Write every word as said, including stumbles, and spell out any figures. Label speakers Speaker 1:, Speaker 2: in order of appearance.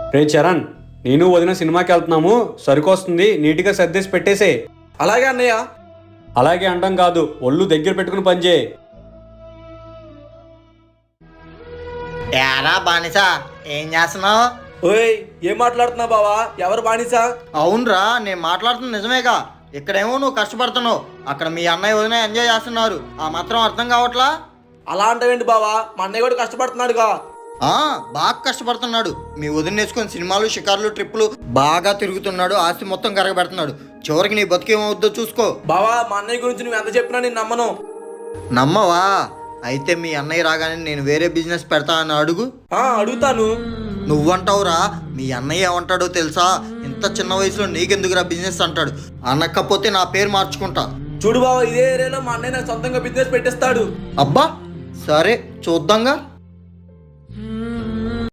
Speaker 1: రే చరణ్, నేను వదిన సినిమాకి వెళ్తున్నాము, సరుకు వస్తుంది, నీట్గా సర్దేసి పెట్టేసే.
Speaker 2: అలాగే అన్నయ్య.
Speaker 1: అలాగే అంటాం కాదు, ఒళ్ళు దగ్గర పెట్టుకుని పనిచేయి.
Speaker 3: ఏరా బానిసా, ఏం చేస్తున్నావు?
Speaker 2: ఓయ్, ఏం మాట్లాడుతున్నావు బావా? ఎవరు బానిసా?
Speaker 3: అవునరా, నేను మాట్లాడుతున్న నిజమేగా. ఇక్కడేమో నువ్వు కష్టపడుతున్నావు, అక్కడ మీ అన్నయ్య వదిన ఎంజాయ్ చేస్తున్నారు. ఆ మాత్రం అర్థం కావట్లా?
Speaker 2: అలా అంటావేంటి బావా? మా అన్నయ్య కూడా కష్టపడుతున్నాడుగా.
Speaker 3: ఆ బాగా కష్టపడుతున్నాడు. మీ వదిన నేర్చుకుని సినిమాలు, షికార్లు, ట్రిప్పులు బాగా తిరుగుతున్నాడు. ఆస్తి మొత్తం కరగబెడుతున్నాడు. చివరికి నీ బతుకేమవుద్దో చూసుకో.
Speaker 2: బావా, మా అన్నయ్య గురించి నువ్వు ఎంత చెప్పినా నేను నమ్మను.
Speaker 3: నమ్మవా? అయితే మీ అన్నయ్య రాగానే నేను వేరే బిజినెస్ పెడతా అని అడుగు.
Speaker 2: ఆ అడుగుతాను.
Speaker 3: నువ్వంటావురా, మీ అన్నయ్య ఏమంటాడో తెలుసా? ఇంత చిన్న వయసులో నీకెందుకురా బిజినెస్ అంటాడు. అనకపోతే నా పేరు మార్చుకుంటా.
Speaker 2: చూడు బావా, ఇదే ఏరియాలో మా అన్నయ్య నాకు సొంతంగా బిజినెస్ పెట్టేస్తాడు.
Speaker 3: అబ్బా సరే, చూద్దాంగా.